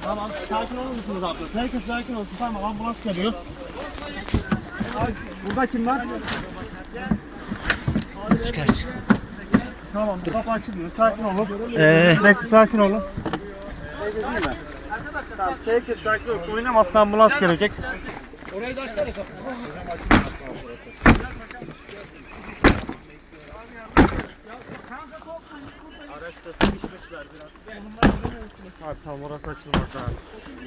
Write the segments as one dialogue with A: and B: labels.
A: Tamam, sakin olur musunuz abla? Herkes sakin olsun. Tamam, ambulans geliyor. Burada kim var?
B: Çıkar.
A: Tamam, kapı açılmıyor. Sakin olun. Bekle, sakin olun. Tamam, herkes sakin olsun. Oynamasın, ambulans gelecek. Orayı da açsana. Araçta sıkışmışlar biraz. Abi tamam, orası açılmaz abi.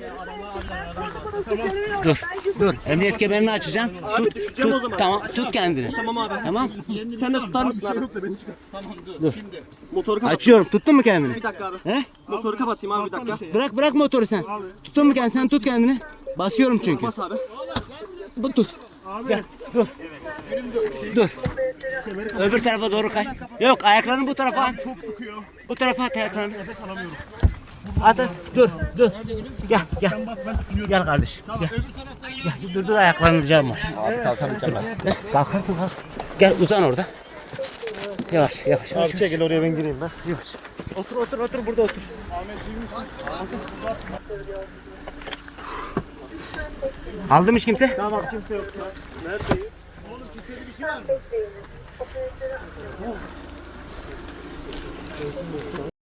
B: Dur. Emniyet kemerini açacağım.
A: Abi düşeceğim o zaman.
B: Tamam, tut kendini.
A: Tamam abi.
B: Tamam.
A: Sen de tutar mısın abi? Tamam dur. Şimdi. Motoru kapat.
B: Açıyorum. Tuttun mu kendini?
A: Bir dakika abi.
B: He?
A: Motoru kapatayım abi, bir dakika.
B: Bırak motoru sen. Tuttun mu kendini? Sen tut kendini. Basıyorum çünkü.
A: Bas abi.
B: Bu tut. Gel. Dur. Öbür tarafa doğru kay. Yok, ayaklarını bu tarafa at.
A: Çok sıkıyor.
B: Bu tarafa at ayaklarını.
A: Nefes alamıyorum.
B: Hadi dur. Gel. Gel kardeşim. Gel. Dur ayaklarını ricam var.
C: Abi kalkamayacağım ben.
B: Kalk. Gel uzan orada. Yavaş.
A: Abi çekil oraya, ben gireyim ben.
B: Yavaş. Otur burada otur. Aldı mı hiç kimse?
A: Tamam, kimse yok. Neredeyim? Oğlum kimse bir şey var mı?